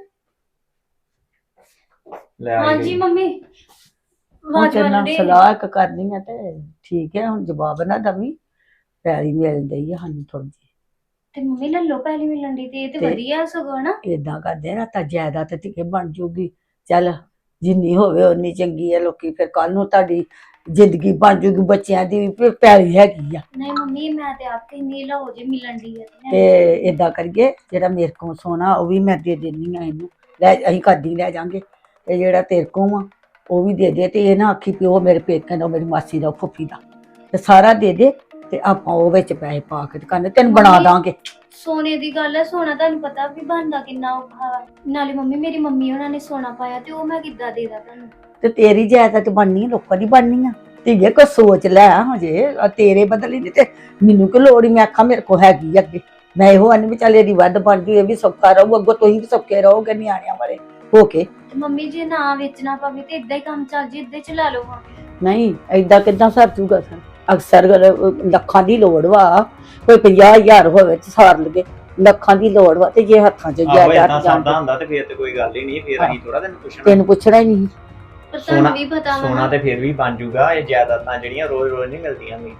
ਲੈ ਆਈ
ਹਾਂਜੀ
ਗਈ।
ਮੰਮੀ
ਹੁਣ
ਆਵਾਜ਼
ਤੇਰੇ ਨਾਲ
ਮਾਰਨ ਡਏ।
ਸਲਾਹ ਇੱਕ ਕਰਨੀ ਆ ਤੇ ਠੀਕ ਹੈ, ਹੁਣ ਜਵਾਬ ਨਾ ਦਵੀਂ। ਪੈਲੀ ਮਿਲ ਗਈ ਆ ਸਾਨੂੰ ਥੋੜੀ ਜਿਹੀ,
ਤੇ ਮੰਮੀ ਲੱਲੋ ਪਹਿਲੀ ਮਿਲਣ ਦੀ ਤੇ ਇਹ ਤੇ
ਤੇ-
ਵਧੀਆ ਸਗੋਂ ਨਾ।
ਏਦਾਂ ਕਰਦੇ ਨਾ ਤਾਂ ਜਾਇਦਾਦ ਤੇ ਧੀਏ ਬਣ ਜੂਗੀ। ਚੱਲ ਜਿੰਨੀ ਹੋਵੇ ਉਨੀ ਚੰਗੀ ਹੈ, ਲੋਕੀ ਫਿਰ ਕੱਲ ਨੂੰ ਤੁਹਾਡੀ ਜ਼ਿੰਦਗੀ ਬਣ ਜੂਗੀ, ਬੱਚਿਆਂ ਦੀ ਵੀ ਫਿਰ ਪੈਲੀ ਹੈਗੀ ਆ।
ਨਹੀਂ ਮੰਮੀ ਮੈਂ ਤੇ ਆਪ ਕਹਿੰਦੀ ਲਓ ਜੇ ਮਿਲਣ ਦੀ
ਤੇ ਏਦਾਂ ਕਰੀਏ, ਜਿਹੜਾ ਮੇਰੇ ਕੋਲ ਸੋਨਾ ਉਹ ਵੀ ਮੈਂ ਦੇ ਦਿੰਨੀ ਆ ਇਹਨੂੰ, ਲੈ ਅਸੀਂ ਕੱਢੀ ਲੈ ਜਾਾਂਗੇ। ਤੇ ਜਿਹੜਾ ਤੇਰੇ ਕੋਲ ਆ ਉਹ ਵੀ ਦੇ ਦੇ, ਤੇ ਇਹ ਨਾ ਆਖੀ ਪਿਓ ਮੇਰੇ ਪੇਕਿਆਂ ਦਾ, ਮੇਰੀ ਮਾਸੀ ਦਾ, ਫੁੱਫੀ ਦਾ, ਤੇ ਸਾਰਾ ਦੇ ਦੇ। ਤੇ ਆਪਾਂ ਉਹ ਵਿੱਚ ਪੈਸੇ ਪਾ ਕੇ ਤੇ ਕਹਿੰਦੇ ਤੈਨੂੰ ਬਣਾ
ਮੰਮੀ-
ਦਾਂਗੇ।
ਸੋਨੇ ਦੀ ਗੱਲ ਹੈ, ਸੋਨਾ ਤੁਹਾਨੂੰ ਪਤਾ ਵੀ ਬਣਦਾ ਕਿੰਨਾ ਔਖਾ ਵਾ। ਨਾਲੇ ਮੰਮੀ ਮੇਰੀ ਮੰਮੀ ਉਹਨਾਂ ਨੇ ਸੋਨਾ ਪਾਇਆ ਤੇ ਉਹ ਮੈਂ ਕਿੱਦਾਂ ਦੇ ਦਾਂ ਤੁਹਾਨੂੰ।
ਤੇ ਤੇਰੀ ਜਾਇਦਾਦ ਬਣਨੀ ਆ, ਲੋਕਾਂ ਦੀ ਬਣਨੀ ਆ। ਧੀਏ ਕੋਈ ਸੋਚ ਲੈ ਹਜੇ, ਤੇਰੇ ਬਦਲੇ ਨਹੀਂ ਤੇ ਮੈਨੂੰ ਕਿ ਲੋੜ ਹੀ, ਮੈਂ ਆਖਾਂ ਮੇਰੇ ਕੋਲ ਹੈਗੀ ਆ ਅੱਗੇ। ਮੈਂ ਇਹੋ ਆਨੀ ਵੀ ਚੱਲ ਇਹਦੀ ਵੱਧ ਬਣ ਜੂ, ਇਹ ਵੀ ਸੌਖਾ ਰਹੂ, ਅੱਗੋਂ ਤੁਸੀਂ ਵੀ ਸੌਖੇ ਰਹੋਗੇ ਨਿਆਣਿਆਂ ਵਾਲੇ ਹੋ ਕੇ।
ਤੇ ਮੰਮੀ ਜੇ ਨਾ ਵੇਚਣਾ ਪਵੇ ਤੇ ਇਦਾਂ ਹੀ ਕੰਮ ਚੱਲ ਜੇ, ਇਦਾਂ ਹੀ ਚਲਾ ਲਓ ਹਾਂ।
ਨਹੀਂ ਏਦਾਂ ਕਿੱਦਾਂ ਸਰ ਜੂਗਾ ਸਰ, ਅਕਸਰ ਲੱਖਾਂ ਦੀ ਲੋੜ ਵਾ, ਕੋਈ 50,000 ਹੋਵੇ ਤੇ ਸਾਰ ਲਗੇ, ਲੱਖਾਂ ਦੀ ਲੋੜ ਵਾ, ਤੇ ਜੇ ਹੱਥਾਂ 'ਚ
ਆਹੋ ਏਦਾਂ
ਜਾਇਦਾਦ
ਸਰਦਾ ਹੁੰਦਾ ਤੇ ਫੇਰ ਤੇ ਕੋਈ ਗੱਲ ਹੀ ਨਹੀਂ, ਫੇਰ ਅਸੀਂ ਥੋੜਾ ਤੈਨੂੰ ਪੁੱਛਣਾ।
ਤੈਨੂੰ ਪੁੱਛਣਾ ਹੀ ਨਹੀਂ।
ਪਰ ਤੁਹਾਨੂੰ ਵੀ ਪਤਾ ਵਾ
ਸੋਨਾ
ਨਾ।
ਤੇ ਫੇਰ ਵੀ ਬਣ ਜੂਗਾ, ਇਹ ਜਾਇਦਾਦਾਂ ਜਿਹੜੀਆਂ ਰੋਜ਼ ਰੋਜ਼ ਨਹੀਂ ਮਿਲਦੀਆਂ ਵੀ।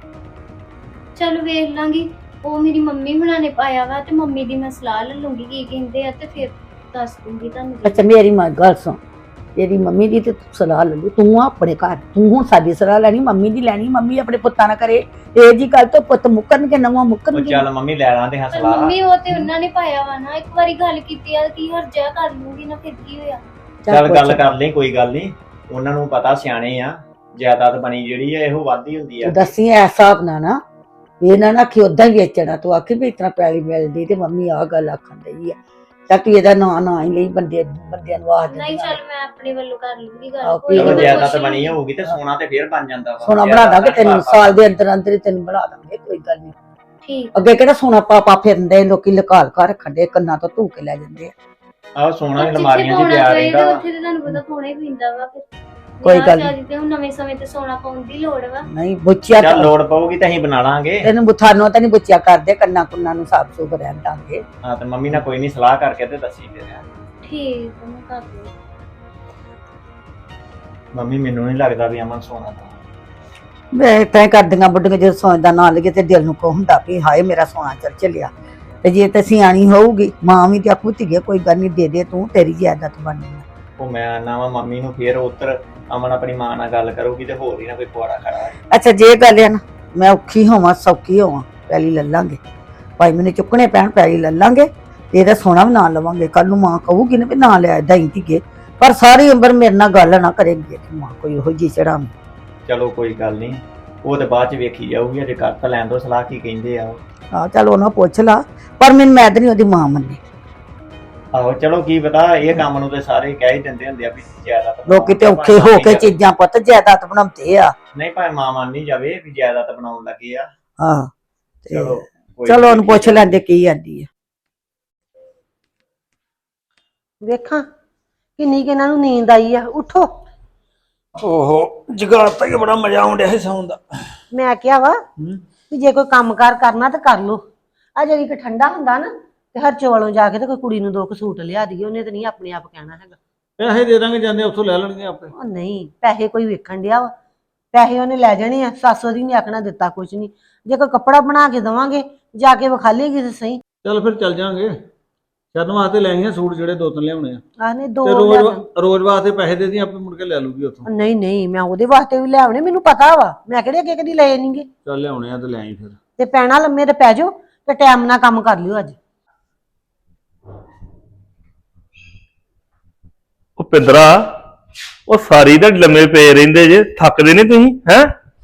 ਚਲ ਵੇਖ ਲਾਂਗੀ, ਉਹ ਮੇਰੀ ਮੰਮੀ ਹੁਣਾਂ ਨੇ ਪਾਇਆ ਵਾ ਤੇ ਮੰਮੀ ਦੀ ਮੈਂ ਸਲਾਹ ਲੈ ਲੂੰਗੀ ਕੀ ਕਹਿੰਦੇ ਆ, ਤੇ ਫਿਰ ਦੱਸ ਦੂੰਗੀ ਤੁਹਾਨੂੰ।
ਅੱਛਾ ਮੇਰੀ ਮਾਂ ਗੱਲ ਸੁਣ, ਤੇਰੀ ਮੰਮੀ ਦੀ ਤੇ ਤੂੰ ਸਲਾਹ ਲੈ ਲਈ, ਤੂੰ ਆਪਣੇ ਘਰ, ਤੂੰ ਹੁਣ ਸਾਡੀ ਸਲਾਹ ਲੈਣੀ, ਮੰਮੀ ਦੀ ਲੈਣੀ। ਮੰਮੀ ਆਪਣੇ ਪੁੱਤਾਂ ਨਾਲ ਕਰੇ ਇਹ ਜੀ ਗੱਲ ਤੋਂ ਪੁੱਤ ਮੁੱਕਣਗੇ, ਨਵਾਂ
ਉਹ
ਮੁੱਕਣਗੇ।
ਚੱਲ ਮੰਮੀ ਲੈ ਲਾਂਦੇ ਹਾਂ
ਪਰ
ਸਲਾਹ।
ਮੰਮੀ ਉਹ ਤੇ ਉਹਨਾਂ ਨੇ ਪਾਇਆ ਵਾ ਨਾ, ਇੱਕ ਵਾਰੀ ਗੱਲ ਕੀਤੀ ਆ ਕੀ ਹਰਜਾ ਕਰ ਲੂੰਗੀ ਨਾ, ਫਿਰ ਕੀ ਹੋਇਆ।
ਚੱਲ ਗੱਲ ਕਰ ਲਈ, ਕੋਈ ਗੱਲ ਨਹੀਂ, ਉਹਨਾਂ ਨੂੰ ਪਤਾ ਸਿਆਣੇ ਆ, ਜਾਇਦਾਦ ਬਣੀ ਜਿਹੜੀ ਆ ਇਹੋ ਵੱਧਦੀ ਹੁੰਦੀ ਆ।
ਤੂੰ ਦੱਸੀ ਐ ਹਿਸਾਬ ਨਾਲ ਨਾ, ਇਹ ਨਾ ਕਿ ਉਦਾਂ ਹੀ ਵੇਚਣਾ, ਤੂੰ ਆਖੀ ਵੀ ਇਤਨਾ ਪੈਲੀ ਮਿਲਦੀ ਤੇ ਮੰਮੀ ਆਹ ਗੱਲ ਆਖਣ ਡਈ ਆ, ਤਾਂ ਤੂੰ ਇਹਦਾ ਨਾਂ ਨਾ ਹੀ ਲਈ, ਬੰਦਿਆਂ ਨੂੰ ਆਖ ਦਿੰਦੀ
ਨਹੀਂ ਚੱਲ ਮੈਂ ਆਪਣੇ ਵੱਲੋਂ ਕਰ ਲੂੰਗੀ
ਆਹੋ,
ਗੱਲ, ਕੋਈ
ਚਲੋ
ਨੀ, ਮੈਂ
ਜਾਇਦਾਦ
ਪੁੱਛ
ਬਣੀ
ਲੂੰਗੀ।
ਹੋਊਗੀ ਤੇ ਸੋਨਾ ਤੇ ਫੇਰ ਬਣ ਜਾਂਦਾ ਵਾ।
ਸੋਨਾ ਬਣਾ ਦਾਂਗੇ ਤੈਨੂੰ, ਸਾਲ ਦੇ ਅੰਦਰ ਅੰਦਰ ਹੀ ਤੈਨੂੰ ਬਣਾ ਦਾਂਗੇ, ਕੋਈ ਗੱਲ ਨਹੀਂ।
ਠੀਕ।
ਅੱਗੇ ਕਿਹੜਾ ਸੋਨਾ ਪਾਪਾ ਫਿਰਦੇ, ਲੋਕੀ ਲਕਾਲ ਕਰ ਰੱਖਣ ਦੇ, ਕੰਨਾਂ ਤੋਂ ਧੂ ਕੇ ਲੈ ਜਾਂਦੇ ਆ।
ਆਹ ਸੋਨਾ ਵੀ
ਜਿੱਥੇ
ਅਲਮਾਰੀਆਂ 'ਚ
ਪਾਉਣਾ
ਪਿਆ
ਪਏ
ਰਹਿੰਦਾ
ਤੇ
ਵਾ।
ਉੱਥੇ ਤੇ ਤੁਹਾਨੂੰ ਪਤਾ ਪਾਉਣਾ ਹੀ ਪੈਂਦਾ ਵਾ। ਫਿਰ
ਕੋਈ ਗੱਲ
ਵਿਆਹ ਸ਼ਾਦੀ ਤੇ ਹੁਣ ਨਵੇਂ ਸਮੇਂ ਤੇ ਸੋਨਾ ਪਾਉਣ ਦੀ ਲੋੜ ਵਾ।
ਨਹੀਂ ਬੁੱਚਿਆ
ਚੱਲ ਲੋੜ ਪਊਗੀ ਤਾਂ ਅਸੀਂ ਬਣਾ ਲਾਂਗੇ।
ਤੈਨੂੰ ਬੁਥਾਨੋਂ ਤਾਂ ਨਹੀਂ ਬੁੱਚਿਆ ਕਰਦੇ, ਕੰਨਾਂ ਕੁੰਨਾਂ ਨੂੰ ਸਾਫ ਸੁਥ ਰਹਿਣ ਦਾਂਗੇ।
ਹਾਂ ਤੇ ਮੰਮੀ ਨਾਲ ਕੋਈ ਨਹੀਂ ਸਲਾਹ ਕਰਕੇ ਤੇ ਦੱਸੀ ਫਿਰ।
ਠੀਕ ਆ, ਮੈਂ ਕਰ ਲੂੰ।
ਮੰਮੀ ਮੈਨੂੰ ਨਹੀਂ ਲੱਗਦਾ ਵੀ ਅਮਨ ਸੋਨਾ ਦਾ।
ਮੈਂ ਤਾਂ ਕਰਦੀਆਂ ਬੁੱਢੀਆਂ ਜਦੋਂ ਸੋਨੇ ਦਾ ਨਾਂ ਲਈਏ ਤੇ ਦਿਲ ਨੂੰ ਕੋ ਹੁੰਦਾ ਵੀ ਹਾਏ ਮੇਰਾ ਸੋਨਾ ਚੱਲ ਚੱਲਿਆ। ਤੇ ਜੇ ਤੇ ਸਿਆਣੀ ਹੋਊਗੀ ਮਾਂ ਵੀ ਤੇ ਆਖੂ ਧੀਏ ਕੋਈ ਗੱਲ ਨਹੀਂ, ਦੇ ਦੇ ਤੂੰ, ਤੇਰੀ ਜਾਇਦਾਦ ਬਣਨੀ ਆ।
ਉਹ ਮੈਂ ਆਨਾ ਵਾ ਮੰਮੀ ਨੂੰ, ਫੇਰ ਉੱਤਰ ਅਮਨ ਆਪਣੀ ਮਾਂ ਨਾਲ ਗੱਲ ਕਰੂਗੀ ਤੇ ਹੋਰ ਹੀ ਨਾ ਕੋਈ ਪੁਆੜਾ ਖੜਾ ਹੋਏ।
ਅੱਛਾ ਜੇ ਗੱਲ ਆ ਨਾ, ਮੈਂ ਔਖੀ ਹੋਵਾਂ ਸੌਖੀ ਹੋਵਾਂ, ਪੈਲੀ ਲੈ ਲਾਂਗੇ, ਭਾਈ ਮੈਨੂੰ ਚੁੱਕਣੇ ਪੈਣ ਪੈਲੀ ਲੈ ਲਾਂਗੇ, ਤੇ ਇਹਦਾ ਸੋਨਾ ਵੀ ਨਾ ਲਵਾਂਗੇ। ਕੱਲ ਨੂੰ ਮਾਂ ਕਹੂਗੀ ਨਾ ਵੀ ਨਾ ਲਿਆ ਏਦਾਂ ਹੀ ਧੀਏ, ਪਰ ਸਾਰੀ ਉਮਰ ਮੇਰੇ ਨਾਲ ਗੱਲ ਨਾ ਕਰੇਗੀ ਮਾਂ ਕੋਈ ਉਹੋ ਜਿਹੀ ਚੜਾਂ।
ਚਲੋ ਕੋਈ ਗੱਲ ਨਹੀਂ, ਉਹ ਤੇ ਬਾਅਦ ਚ ਵੇਖੀ ਜਾਊਗੀ, ਅਜੇ ਕਰ ਤਾਂ ਲੈਣ ਦੋ ਸਲਾਹ ਕੀ ਕਹਿੰਦੇ ਆ ਉਹ।
ਹਾਂ ਚੱਲ ਉਹਨਾਂ ਪੁੱਛ ਲਾ, ਪਰ ਮੈਨੂੰ ਮੈਂ ਤਾਂ ਨਹੀਂ ਉਹਦੀ ਮਾਂ ਮੰਨੀ।
ਆਹੋ ਚਲੋ ਕੀ ਪਤਾ, ਇਹ ਕੰਮ ਨੂੰ ਤੇ ਸਾਰੇ ਕਹਿ ਹੀ ਦਿੰਦੇ ਹੁੰਦੇ ਆ ਵੀ ਜਾਇਦਾਦ
ਲੋਕੀ ਤੇ ਔਖੇ ਹੋ ਕੇ ਚੀਜ਼ਾਂ ਪੁੱਤ ਜਾਇਦਾਦ ਬਣਾਉਂਦੇ ਆ।
ਨਹੀਂ ਭਾਵੇਂ ਮਾਂ ਮੰਨ ਨਹੀਂ ਜਾਵੇ ਵੀ ਜਾਇਦਾਦ ਬਣਾਉਣ ਲੱਗੇ ਆ।
ਹਾਂ
ਚਲੋ ਕੋਈ
ਚਲੋ
ਨੀ,
ਉਹਨੂੰ ਪੁੱਛ ਲੈਂਦੇ ਕੀ ਆਂਦੀ ਆ।
ਵੇਖਾਂ ਕਿੰਨੀ ਕਿ ਇਹਨਾਂ ਨੂੰ ਨੀਂਦ ਆਈ ਆ, ਉਠੋ।
ਓਹੋ ਜਗਾਤਾ ਹੀ ਬੜਾ ਮਜ਼ਾ ਆਉਣ ਡਿਆ ਸੀ ਸੌਣ ਦਾ।
ਮੈਂ ਕਿਹਾ ਵਾ ਵੀ ਜੇ ਕੋਈ ਕੰਮਕਾਰ ਕਰਨਾ ਤੇ ਕਰ ਲੋ। ਆ ਜਿਹੜੀ ਕਿ ਠੰਡਾ ਹੁੰਦਾ ਨਾ ਤੇ ਹਰਚੋ ਵੱਲੋਂ ਜਾ ਕੇ ਤੇ ਕੋਈ ਕੁੜੀ ਨੂੰ 2 ਸੂਟ ਲਿਆ ਦਈਏ, ਉਹਨੇ ਤੇ ਨਹੀਂ ਆਪਣੇ ਆਪ ਕਹਿਣਾ ਹੈਗਾ।
ਪੈਸੇ ਦੇ ਦਾਂਗੇ, ਜਾਂਦੇ ਉੱਥੋਂ ਲੈ ਲੈਣਗੇ ਆਪੇ।
ਉਹ ਨਹੀਂ, ਪੈਸੇ ਕੋਈ ਵੇਖਣ ਡਿਆ ਵਾ, ਪੈਸੇ ਉਹਨੇ ਲੈ ਜਾਣੇ ਆ। ਸੱਸ ਉਹਦੀ ਨਹੀਂ ਆਖਣਾ ਦਿੱਤਾ ਕੁਛ ਨਹੀਂ। ਜੇ ਕੋਈ ਕੱਪੜਾ ਬਣਾ ਕੇ ਦੇਵਾਂਗੇ ਜਾ ਕੇ ਵਿਖਾ ਲੇਗੀ ਤੇ ਸਹੀ।
ਚੱਲ ਫਿਰ ਚੱਲ ਜਾਾਂਗੇ, ਸ਼ਰਨ ਵਾਸਤੇ ਲੈ ਆਈਆਂ ਸੂਟ ਜਿਹੜੇ 2-3 ਲਿਆਉਣੇ ਆ,
ਆਨੇ
ਤੇ
2
ਰੋਜ਼ ਵਾਸਤੇ ਪੈਸੇ ਦੇ ਦੀ, ਆਪੇ ਮੁੜ ਕੇ ਲੈ ਲੂਗੀ ਉੱਥੋਂ।
ਨਹੀਂ ਨਹੀਂ, ਮੈਂ ਉਹਦੇ ਵਾਸਤੇ ਵੀ ਲਿਆਉਣੇ, ਮੈਨੂੰ ਪਤਾ ਵਾ, ਮੈਂ ਕਿਹੜੇ ਅੱਗੇ ਕਦੀ ਲਏ ਨਹੀਂਗੇ।
ਚੱਲ ਲਿਆਉਣੇ ਆ ਤੇ ਲੈ ਆਈ ਫਿਰ।
ਤੇ ਪੈਣਾ ਲੰਮੇ ਤੇ ਪੈ ਜਾਓ ਤੇ ਟਾਈਮ ਨਾਲ ਕੰਮ ਕਰ ਲਿਓ ਅੱਜ।
ਉਹ ਪਿੰਦਰਾ, ਉਹ ਸਾਰੀ ਦਿਹਾੜੀ ਲੰਮੇ ਪਏ ਰਹਿੰਦੇ ਜੇ, ਥੱਕਦੇ ਨਹੀਂ ਤੁਸੀਂ ਹੈ?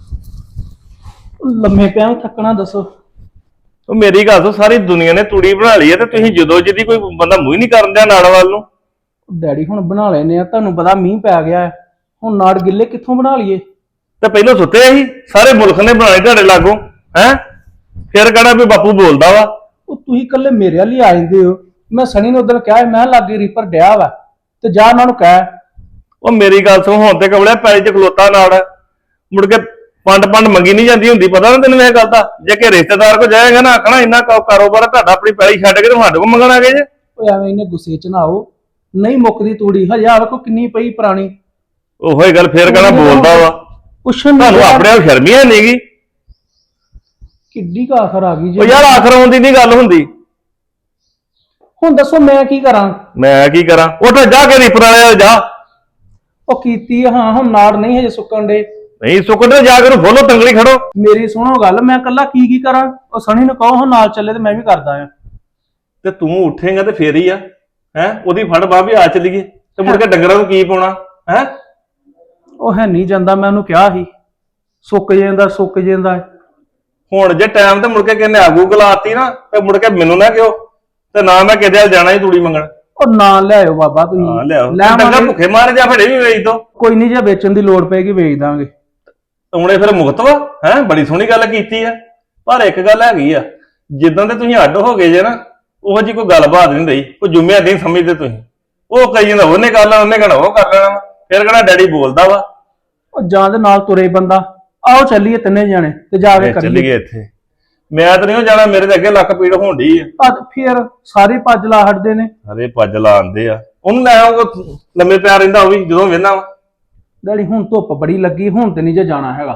ਲੰਮੇ ਪਿਆ ਥੱਕਣਾ ਦੱਸੋ।
ਉਹ ਮੇਰੀ ਗੱਲ ਤੋਂ ਸਾਰੀ ਦੁਨੀਆ ਨੇ ਤੂੜੀ ਬਣਾ ਲਈ ਹੈ ਤੇ ਤੁਸੀਂ ਜਦੋਂ ਜਿਹਦੀ ਕੋਈ ਬੰਦਾ ਮੂੰਹ ਹੀ ਨਹੀਂ ਕਰਨ ਦਿਆ ਨਾੜ ਵੱਲ ਨੂੰ।
ਡੈਡੀ ਹੁਣ ਬਣਾ ਲੈਨੇ ਆ, ਤੁਹਾਨੂੰ ਪਤਾ ਮੀਂਹ ਪੈ ਗਿਆ ਹੈ, ਹੁਣ ਨਾੜ ਗਿੱਲੇ ਕਿੱਥੋਂ ਬਣਾ ਲਈਏ।
ਤੇ ਪਹਿਲਾਂ ਸੁੱਤੇ ਸੀ, ਸਾਰੇ ਮੁਲਕ ਨੇ ਬਣਾਏ ਤੁਹਾਡੇ ਲਾਗੋਂ ਹੈ, ਫਿਰ ਕਹਿਣਾ ਵੀ ਬਾਪੂ ਬੋਲਦਾ ਵਾ।
ਉਹ ਤੁਸੀਂ ਇਕੱਲੇ ਮੇਰੇ ਵਾਲੀ ਆ ਜਾਂਦੇ ਹੋ। ਮੈਂ ਸਣੀ ਨੂੰ ਉਦੋਂ ਕਿਹਾ ਮੈਂ ਲਾਗੇ ਰੀਪਰ ਡਿਆ ਵਾ ਤੇ ਜਾ ਉਹਨਾਂ ਨੂੰ ਕਹਿ।
ਉਹ ਮੇਰੀ ਗੱਲ ਸੁਣ, ਹੁਣ ਤੇ ਕਬਲਿਆ ਪੈਲੀ ਚ ਖਲੋਤਾ ਨਾੜ, ਮੁੜ ਕੇ ਪੰਡ ਮੰਗੀ ਨਹੀਂ ਜਾਂਦੀ ਹੁੰਦੀ, ਪਤਾ ਨਾ ਤੈਨੂੰ ਇਹ ਗੱਲ ਦਾ। ਜੇ ਕਿ ਰਿਸ਼ਤੇਦਾਰ ਕੋ ਜਾਏਗਾ ਨਾ, ਆਖਣਾ ਇੰਨਾ ਕਾਰੋਬਾਰ ਤੁਹਾਡਾ, ਆਪਣੀ ਪੈਲੀ ਛੱਡ ਕੇ ਤੇ ਸਾਡੇ ਕੋ ਮੰਗਣ ਆ ਗਏ ਜੇ।
ਓਏ ਐਵੇਂ ਇਹਨੇ ਗੁੱਸੇ ਚ ਨਾ ਆਓ, ਨਹੀਂ ਮੁੱਕਦੀ ਤੂੜੀ ਹਜੇ ਆ ਵੇਖੋ ਕਿੰਨੀ ਪਈ ਪੁਰਾਣੀ।
ਉਹੋ ਹੀ ਗੱਲ ਫੇਰ ਕਹਿਣਾ ਬੋਲਦਾ ਵਾ।
ਪੁੱਛਣ
ਤੁਹਾਨੂੰ ਆਪਣੇ ਆਪ ਸ਼ਰਮ ਹੀ ਨਹੀਂ ਗਈ।
ਕਿੱਡੀ ਕੁ ਆਖਰ ਆ ਗਈ
ਉਹ ਯਾਰ ਆਖਰ ਆਉਣ ਦੀ ਨਹੀਂ ਗੱਲ ਹੁੰਦੀ।
ਹੁਣ ਦੱਸੋ ਮੈਂ ਕੀ ਕਰਾਂ?
ਮੈਂ ਕੀ ਕਰਾਂ? ਉੱਠ ਜਾ ਕੇ ਰੀਪਰ ਵਾਲੇ ਜਾ।
ਉਹ ਕੀਤੀ ਹਾਂ, ਹੁਣ ਨਾੜ ਨਹੀਂ ਹਜੇ ਸੁੱਕਣ ਦੇ।
ਨਹੀਂ ਸੁੱਕਦੇ ਜਾ ਕੇ ਉਹਨੂੰ ਫੋਲੋ ਤੰਗੜੀ ਖੜੋ।
ਮੇਰੀ ਸੁਣੋ ਗੱਲ, ਮੈਂ ਕੱਲਾ ਕੀ ਕਰਾਂ? ਉਹ ਸਣੀ ਨੂੰ ਕਹੋ ਹੁਣ ਨਾਲ ਚੱਲੇ ਤੇ ਮੈਂ ਵੀ ਕਰਦਾ ਆ।
ਤੇ ਤੂੰ ਉੱਠੇਗਾ ਤੇ ਫੇਰ ਹੀ ਆ ਹੈ। ਉਹਦੀ ਫੜ ਬਾਹ ਵੀ ਆ ਚੱਲੀਏ ਤੇ ਮੁੜ ਕੇ ਡੰਗਰਾਂ ਨੂੰ ਕੀ ਪਾਉਣਾ ਹੈ।
ਉਹ ਹੈ ਨਹੀਂ ਜਾਂਦਾ, ਮੈਂ ਉਹਨੂੰ ਕਿਹਾ ਸੀ ਸੁੱਕ ਜਾਂਦਾ।
ਹੁਣ ਜੇ ਟਾਈਮ ਤੇ ਮੁੜ ਕੇ ਕਹਿੰਦੇ ਆਗੂ ਗਲਾਤੀ ਨਾ ਤੇ ਮੁੜ ਕੇ ਮੈਨੂੰ ਨਾ ਕਿਉ, ਤੇ ਨਾ ਮੈਂ ਕਿਤੇ ਵੱਲ ਜਾਣਾ ਹੀ ਤੂੜੀ ਮੰਗਣ।
ਉਹ ਨਾ ਲਿਆਇਓ ਬਾਬਾ ਤੁਸੀਂ।
ਹਾਂ ਲਿਆਓ,
ਲੈ
ਡੰਗਰ
ਆਵਾਂਗੇ।
ਭੁੱਖੇ ਮਾਰ ਜਾ ਫੜੇ ਵੀ ਵੇਚ ਦੋ।
ਕੋਈ ਨਹੀਂ, ਜੇ ਵੇਚਣ ਦੀ ਲੋੜ ਪਏਗੀ ਵੇਚ ਦਾਂਗੇ।
ਹੁਣੇ ਫਿਰ ਮੁਕਤ ਵਾ ਹੈ। ਬੜੀ ਸੋਹਣੀ ਗੱਲ ਕੀਤੀ ਆ, ਪਰ ਇੱਕ ਗੱਲ ਹੈਗੀ ਆ, ਜਿੱਦਾਂ ਤੇ ਤੁਸੀਂ ਅੱਡ ਹੋ ਗਏ ਜੇ ਨਾ, ਉਹੋ ਜੀ ਕੋਈ ਗੱਲਬਾਤ ਨਹੀਂ ਰਹੀ, ਕੋਈ ਜੁਮਿਆ ਨਹੀਂ ਸਮਝਦੇ ਤੁਸੀਂ। ਉਹ ਕਹੀ ਜਾਂਦਾ ਉਹਨੇ ਕਰ ਲੈਣਾ, ਉਹਨੇ ਕਹਿਣਾ ਉਹ ਕਰ ਲੈਣਾ, ਫਿਰ ਕਹਿਣਾ ਡੈਡੀ ਬੋਲਦਾ ਵਾ।
ਉਹ ਜਾਂ ਦੇ ਨਾਲ ਤੁਰੇ ਬੰਦਾ। ਆਓ ਚੱਲੀਏ ਤਿੰਨੇ ਜਾਣੇ ਤੇ ਜਾ ਕੇ
ਚੱਲ
ਕਰੀਏ।
ਗਏ ਇੱਥੇ। ਮੈਂ ਤਾਂ ਨਹੀਂ ਜਾਣਾ, ਮੇਰੇ ਤੇ ਅੱਗੇ ਲੱਕ ਪੀੜ ਹੋਣ ਡਈ ਆ।
ਫਿਰ ਸਾਰੇ ਭੱਜ ਲਾ ਹਟਦੇ ਨੇ।
ਅਰੇ ਭੱਜ ਲਾਉਂਦੇ ਆ, ਉਹਨੂੰ ਲੈ ਆਉਂਗਾ, ਲੰਮੇ ਪਿਆ ਰਹਿੰਦਾ ਉਹ ਵੀ ਜਦੋਂ ਵੇਹਨਾ ਵਾ।
ਡੈਡੀ ਹੁਣ ਧੁੱਪ ਬੜੀ ਲੱਗੀ, ਹੁਣ ਤੇ ਨਹੀਂ ਜੇ ਜਾਣਾ ਹੈਗਾ।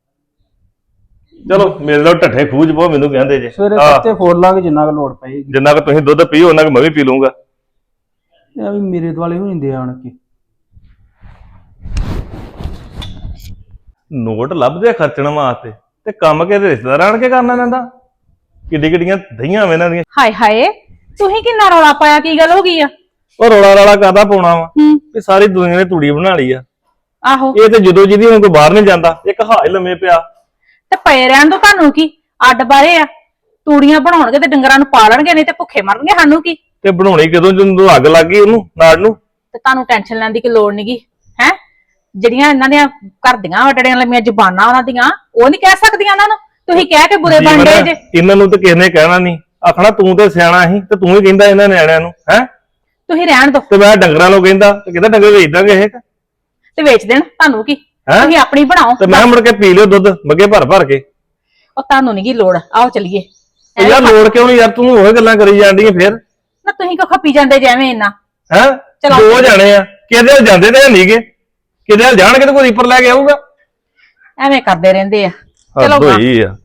ਚਲੋ ਮੇਰੇ ਨਾਲ ਢੱਠੇ ਖੂਜ ਬਹੁ ਮੈਨੂੰ ਕਹਿੰਦੇ ਜੇ।
ਸਵੇਰੇ
ਆਹ,
ਪੱਤੇ ਫੋੜ ਲਾਂਗੇ ਜਿੰਨਾ ਕੁ ਲੋੜ ਪਏਗੀ।
ਜਿੰਨਾ ਕੁ ਤੁਸੀਂ ਦੁੱਧ ਪੀਓ ਉਹਨਾਂ ਕੁ ਮੈਂ ਵੀ ਪੀ ਲੂੰਗਾ।
ਇਹ ਵੀ ਮੇਰੇ ਦੁਆਲੇ ਹੋ ਜਾਂਦੇ ਆਣ ਕੇ।
ਨੋਟ ਲੱਭਦੇ ਖਰਚਣ ਵਾਸਤੇ ਤੇ ਕੰਮ ਕਿਹਦੇ ਰਿਸ਼ਤੇਦਾਰ ਆਣ ਕੇ ਕਰਨਾ ਪੈਂਦਾ। ਕਿੱਡੀਆਂ ਦਹੀਆਂ ਵੇ ਇਹਨਾਂ ਦੀਆਂ।
ਹਾਏ ਹਾਏ, ਤੁਸੀਂ ਕਿੰਨਾ ਰੌਲਾ ਪਾਇਆ? ਕੀ ਗੱਲ ਹੋ ਗਈ ਆ?
ਉਹ ਰੌਲਾ ਕਾਹਦਾ ਪਾਉਣਾ ਵਾ
ਹੂੰ।
ਵੀ ਸਾਰੀ ਦੁਨੀਆ ਨੇ ਤੂੜੀ ਬਣਾ ਲਈ ਆ।
ਆਹੋ,
ਇਹ ਤੇ ਜਦੋਂ ਜਿਹਦੀ ਹੁਣ ਕੋਈ ਬਾਹਰ ਨਹੀਂ ਜਾਂਦਾ, ਇੱਕ ਹਾਏ ਲੰਮੇ ਪਿਆ।
ਤੇ ਪਏ ਰਹਿਣ ਦੋ, ਤੁਹਾਨੂੰ ਕੀ ਅੱਡ ਬਾਰੇ ਆ? ਤੂੜੀਆਂ ਬਣਾਉਣਗੇ ਤੇ ਡੰਗਰਾਂ ਨੂੰ ਪਾਲਣਗੇ, ਨਹੀਂ ਤੇ ਭੁੱਖੇ ਮਰਨਗੇ। ਸਾਨੂੰ ਕੀ?
ਤੇ ਬਣਾਉਣੀ ਕਦੋਂ ਜਦੋਂ ਅੱਗ ਲੱਗ ਗਈ ਉਹਨੂੰ ਨਾੜ ਨੂੰ।
ਤੇ ਤੁਹਾਨੂੰ ਟੈਨਸ਼ਨ ਲੈਣ ਦੀ ਕੀ ਲੋੜ ਨਹੀਂਗੀ ਹੈ। ਜਿਹੜੀਆਂ ਇਹਨਾਂ ਦੀਆਂ ਘਰ ਦੀਆਂ ਵੱਡੜੀਆਂ ਲੰਮੀਆਂ ਜ਼ੁਬਾਨਾਂ ਉਹਨਾਂ ਦੀਆਂ, ਉਹ ਨਹੀਂ ਕਹਿ ਸਕਦੀਆਂ ਇਹਨਾਂ ਨੂੰ। ਤੁਸੀਂ ਕਹਿ ਕੇ ਬੁਰੇ ਬਣ ਗਏ ਜੇ।
ਇਹਨਾਂ ਨੂੰ ਤੇ ਕਿਸੇ ਨੇ ਕਹਿਣਾ ਨਹੀਂ, ਆਖਣਾ ਤੂੰ ਤੇ ਸਿਆਣਾ ਸੀ ਤੇ ਤੂੰ ਹੀ ਕਹਿੰਦਾ ਇਹਨਾਂ ਨਿਆਣਿਆਂ ਨੂੰ ਹੈ।
ਤੁਸੀਂ ਰਹਿਣ ਦੋ
ਤੇ ਮੈਂ ਡੰਗਰਾਂ ਨੂੰ ਕਹਿੰਦਾ ਤੇ ਕਹਿੰਦਾ ਡੰਗਰ ਵੇਚ ਦਾਂਗੇ ਇਹ।
ਤੇ ਵੇਚ ਦੇਣ, ਤੁਹਾਨੂੰ ਕੀ?
ਹੈਂ?
ਤੁਸੀਂ ਆਪਣੀ ਬਣਾਓ।
ਤੇ ਮੈਂ ਮੁੜ ਕੇ ਪੀ ਲਿਓ ਦੁੱਧ ਮੱਗੇ ਭਰ ਕੇ।
ਉਹ ਤੁਹਾਨੂੰ ਨਹੀਂ ਕੀ ਲੋੜ। ਆਓ ਚੱਲੀਏ।
ਤੇ ਯਾਰ ਲੋੜ ਕਿਉਂ ਨਹੀਂ ਯਾਰ, ਤੂੰ ਉਹ ਗੱਲਾਂ ਕਰੀ ਜਾਂਦੀ ਫੇਰ
ਨਾ ਤੁਸੀਂ ਕੋ ਖੱਪੀ ਜਾਂਦੇ ਜਿਵੇਂ ਇੰਨਾ।
ਹੈ।
ਚਲੋ।
ਦੋ ਜਾਣੇ ਆ, ਕਿਹਦੇ ਵੱਲ ਜਾਂਦੇ ਤੇ ਨਹੀਂਗੇ, ਕਿਹਦੇ ਵੱਲ ਜਾਣਗੇ ਤੇ ਕੋਈ ਰੀਪਰ ਲੈ ਕੇ ਆਊਗਾ।
ਐਵੇਂ ਕਰਦੇ ਰਹਿੰਦੇ ਆ।
ਹੱਦ
ਚਲੋ
ਹੋਈ ਆ।